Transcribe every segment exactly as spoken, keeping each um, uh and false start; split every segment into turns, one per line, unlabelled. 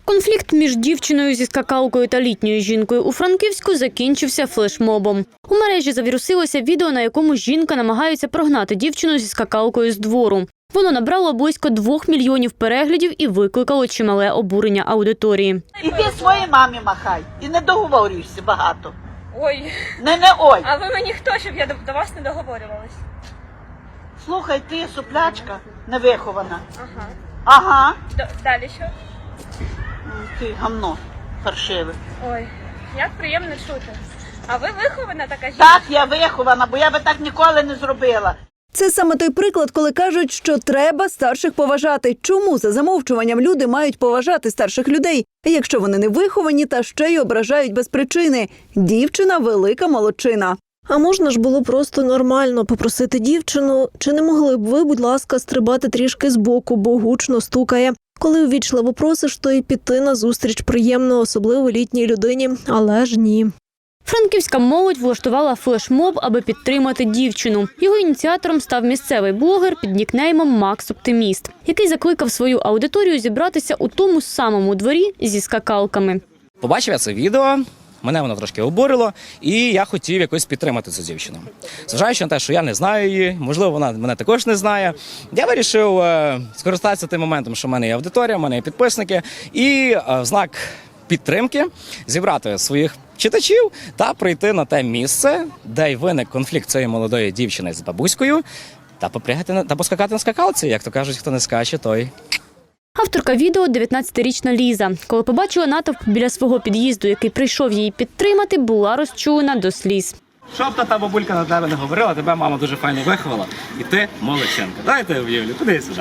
Конфлікт між дівчиною зі скакалкою та літньою жінкою у Франківську закінчився флешмобом. У мережі завірусилося відео, на якому жінка намагається прогнати дівчину зі скакалкою з двору. Воно набрало близько двох мільйонів переглядів і викликало чимале обурення аудиторії.
Іди своїй мамі махай і не договорюйся багато.
Ой,
Не, не ой.
а ви мені хто, щоб я до, до вас не договорювалась?
Слухай, ти суплячка невихована.
Ага.
Ага.
Д- далі що?
М, Ти гамно паршиве.
Ой, як приємно чути. А ви вихована така жінка?
Так, я вихована, бо я би так ніколи не зробила.
Це саме той приклад, коли кажуть, що треба старших поважати. Чому за замовчуванням люди мають поважати старших людей, якщо вони не виховані та ще й ображають без причини? Дівчина – велика молодчина.
А можна ж було просто нормально попросити дівчину, чи не могли б ви, будь ласка, стрибати трішки збоку, бо гучно стукає. Коли увічливо просиш, то й піти на зустріч приємно, особливо літній людині, але ж ні.
Франківська молодь влаштувала флешмоб, аби підтримати дівчину. Його ініціатором став місцевий блогер під нікнеймом Макс Оптиміст, який закликав свою аудиторію зібратися у тому самому дворі зі скакалками.
Побачив я це відео, мене воно трошки обурило, і я хотів якось підтримати цю дівчину. Зважаючи на те, що я не знаю її, можливо, вона мене також не знає, я вирішив е, скористатися тим моментом, що в мене є аудиторія, в мене є підписники, і е, в знак підтримки зібрати своїх читачів та прийти на те місце, де й виник конфлікт цієї молодої дівчини з бабуською, та попрягати на- та поскакати на скакалці. Як то кажуть, хто не скаче, той...
Авторка відео – дев'ятнадцятирічна Ліза. Коли побачила натовп біля свого під'їзду, який прийшов її підтримати, була розчулена до сліз.
Щоб та та бабулька на тебе не говорила, тебе мама дуже файно виховала, і ти молодчинка. Дайте об'явлю, куди сюди.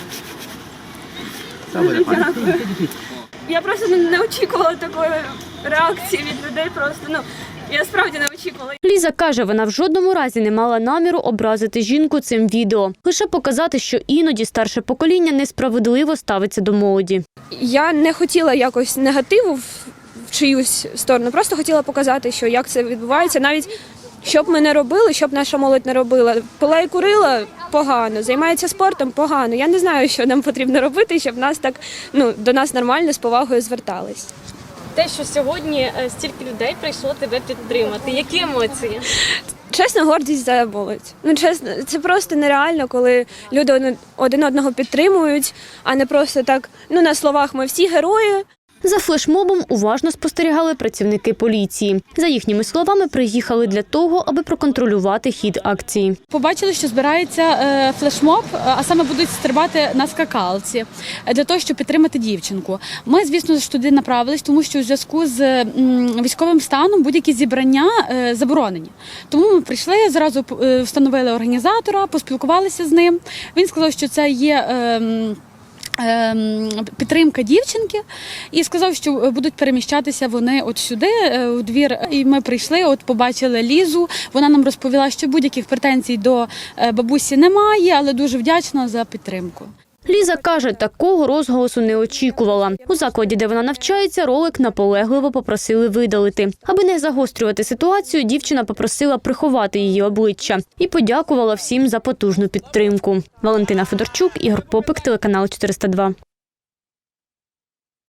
Все буде файно.
Я просто не, не очікувала такої реакції від людей, просто, ну, я справді не очікувала.
Ліза каже, вона в жодному разі не мала наміру образити жінку цим відео. Лише показати, що іноді старше покоління несправедливо ставиться до молоді.
Я не хотіла якось негативу в в чиюсь сторону, просто хотіла показати, що як це відбувається, навіть що б ми не робили, що б наша молодь не робила. Пила і курила – погано, займається спортом – погано. Я не знаю, що нам потрібно робити, щоб нас так, ну, до нас нормально, з повагою звертались.
Те, що сьогодні е, стільки людей прийшло тебе підтримати. Які емоції?
Чесно, гордість за молодь. Ну, чесно, це просто нереально, коли люди один- один одного підтримують, а не просто так, ну, на словах ми всі герої.
За флешмобом уважно спостерігали працівники поліції. За їхніми словами, приїхали для того, аби проконтролювати хід акції.
Побачили, що збирається е, флешмоб, а саме будуть стрибати на скакалці для того, щоб підтримати дівчинку. Ми, звісно ж, туди направились, тому що у зв'язку з м, військовим станом будь-які зібрання е, заборонені. Тому ми прийшли, зразу е, встановили організатора, поспілкувалися з ним. Він сказав, що це є... Е, підтримка дівчинки, і сказав, що будуть переміщатися вони от сюди, у двір. І ми прийшли, от побачили Лізу, вона нам розповіла, що будь-яких претензій до бабусі немає, але дуже вдячна за підтримку.
Ліза каже, такого розголосу не очікувала. У закладі, де вона навчається, ролик наполегливо попросили видалити. Аби не загострювати ситуацію, дівчина попросила приховати її обличчя і подякувала всім за потужну підтримку. Валентина Федорчук, Ігор Попик, телеканал чотириста два.